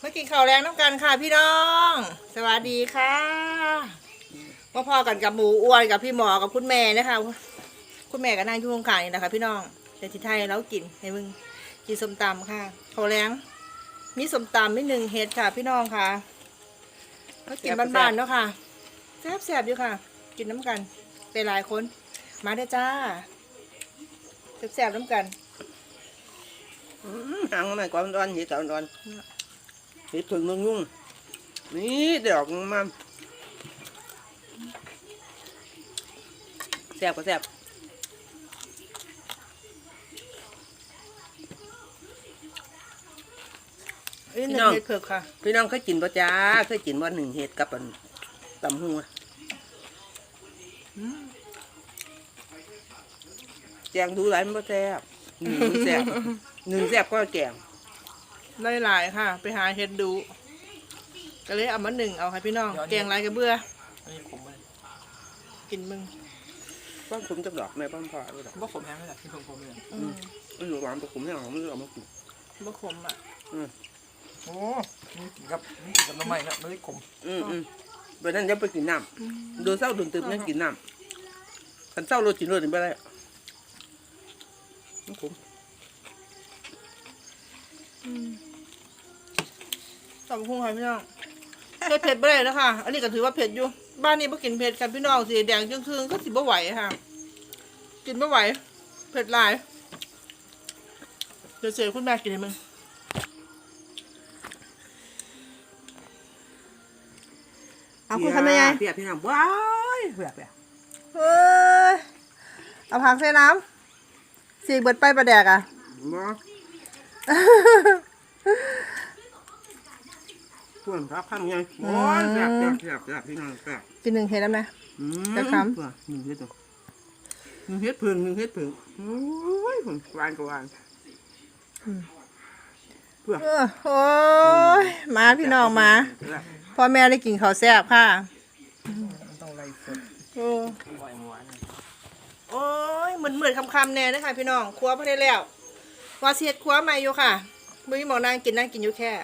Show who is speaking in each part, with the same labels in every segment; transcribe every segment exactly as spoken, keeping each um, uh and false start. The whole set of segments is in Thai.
Speaker 1: มากินข้าวแรงน้ำกันค่ะพี่น้องสวัสดีค่ะพ่อพ่อกันกับหมูอ้วนกับพี่หมอกับคุณแม่นะคะคุณแม่ก็นั่งอยู่ข้างๆนี่นะคะพี่น้องแต่ที่ไทยแล้วกินให้มึงกินส้มตำค่ะข้าวแรงมีส้มตำมีหนึ่งเห็ดค่ะพี่น้องค่ะก็กินบ้านๆเนาะค่ะแซ่บๆอยู่ค่ะกินน้ำกันเป็นหลายคนมาเด้อจ้าแซ่บๆน้ำกัน
Speaker 2: หางมันก่อนร้อนเห็ดก่อนร้อนเห็ดถึงนุ่งนุ่งนี่เดี๋ยวมาแซ่บก็แซ่บ
Speaker 1: พี่น้องเห็ดเผือกค่ะ
Speaker 2: พี่น้องเคยกินป่ะจ้าเคยกินว่าหนึ่งเห็ดกับตำหัวแจงดูไรมันก็แซ่บหนึ่งแซ่บหนึ่งแซ่บก็แจง
Speaker 1: ได้หลายค่ะไปหาเห็ดดูก็เลยเอามาหนึ่งเอาค่ะพี่น้องแกงไรกระเบื้อกินมึง
Speaker 2: บ้านผมจะดอกแม่บ้านพ่อด้วยดอก
Speaker 3: บ้าขมแห้งไม่ได้ที่ผมผมเลย
Speaker 2: อืมมันอยู่ร้านตัวผมเนี่ยมันเอามากิน
Speaker 1: บ้าขมอ่ะ
Speaker 3: อืมโอ้นี่กินกับนี่กินกับน้ำมันนะไม่ได้ขม
Speaker 2: อืมอืมวันนั้นจะไปกินน้ำโดนเศร้าโดนตึมนั่งกินน้ำขันเศร้าโรจินโรจินไปได้ขม
Speaker 1: สองพุ่งค่ะพี่น้องเผ็ดเผ็ดไปเลยนะคะอันนี้ก็ถือว่าเผ็ดอยู่บ้านนี้ไม่กินเผ็ดกันพี่น้องสีแดงจึงคืนก็สิบ่ไหวค่ะกินไม่ไหวเผ็ดหลายเดี๋ยวเสียคุณแม่กินให้มึงเอาคุณทำยังไง
Speaker 2: เปียกพี่น้ำว้ายเปียกเปียก
Speaker 1: เฮ้ยเอาผักใส่น้ำสีเบิดไปประแดกอ่ะ
Speaker 2: ส่วนครับข้ามยังโอ้ยแซ่บแซ่บแซ่บแซ่บพี่น้องแซ่บ
Speaker 1: กินหนึ่งเห็ดแล้วไหมจะคำ
Speaker 2: หนึ่งเห็ดตัวหนึ่งเห็ดเพิ่งหนึ่งเห็ดเพิ่งโอ้ยผมวานกับวาน
Speaker 1: เพื่อโอ้ยมาพี่น้องมาพ่อแม่ได้กินข้าวแซ่บค่ะ
Speaker 3: ต้องไล่สด
Speaker 1: โอ้โอ้ยเหมือนเหมือนคำคำแน่นะคะพี่น้องครัวพอได้แล้วว่าเสียดครัวใหม่อยู่ค่ะไม่หมอนางกินนั่งกินอยู่แค่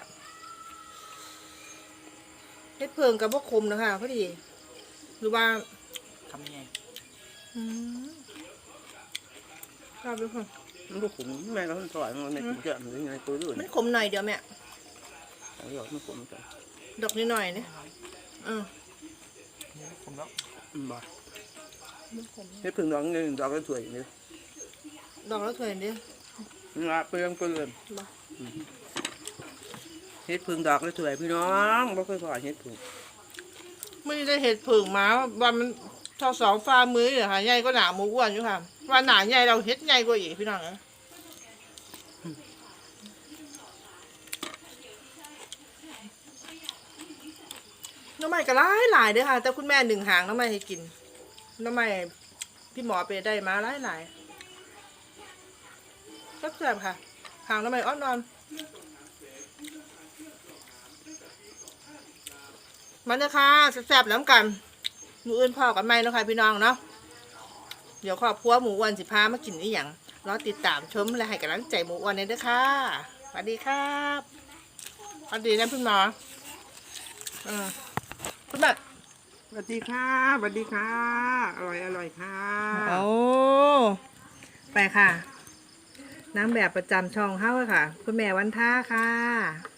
Speaker 1: เฮ็ดเพิงกับพวกคมนะคะพอดีหรือว่า
Speaker 3: ทำยังไง
Speaker 1: ชอบด้วยค่ะ
Speaker 2: มันก็ขมแม่ก็ต้องถอยมันในถุงเจาะหรือไงตัวด้วย
Speaker 1: มันขมหน่อยเดียวแม่
Speaker 2: เอาหยอดมันขมจัง
Speaker 1: ดอกนิดหน่อยเนี่ยอือ
Speaker 3: ขมแล้ว
Speaker 2: อืมบ่เฮ็ดเพิ่งดอกเงินดอกก็สวยนี่
Speaker 1: ดอกแล้วสวยดิ
Speaker 2: งาเปลืองเปลืองเฮ็ดพึ่งดอกแล้วสวยพี่น้องบ่เคยพอเฮ็ดพึ่ง
Speaker 1: ไม่ได้เห็ดผึ่งมาวันมันทอสองฟ้ามือเหรอค่ะใหญ่ก็หนาหมูอ้วนอยู่ค่ะว่าหนาใหญ่เราเห็ดใหญ่กว่าอีกพี่น้องนะน้ำใหม่ก็หลายหลายเด้อค่ะแต่คุณแม่หนึ่งหางน้ำใหม่ให้กินน้ำใหม่พี่หมอไปได้มาหลายหลายก็แซ่บค่ะหางน้ำใหม่อ้อนนอนมันจะค่ะแซ่บๆน้ำกันหมูอื่นพ่อกันไหมเนาะค่ะพี่น้องเนาะเดี๋ยวครอบครัวหมูอ้วนสิพามากินอีหยังรอติดตามชมและให้กำลังใจหมูอ้วนเลยด้วยค่ะสวัสดีครับสวัสดีนะพี่หมออืมคุณแม่
Speaker 2: สวัสดีค่ะสวัสดีค่ะอร่อยอร่อยค่ะ
Speaker 1: โอ้ไปค่ะนางแบบประจำช่องเฮ้าค่ะคุณแม่วันท่าค่ะ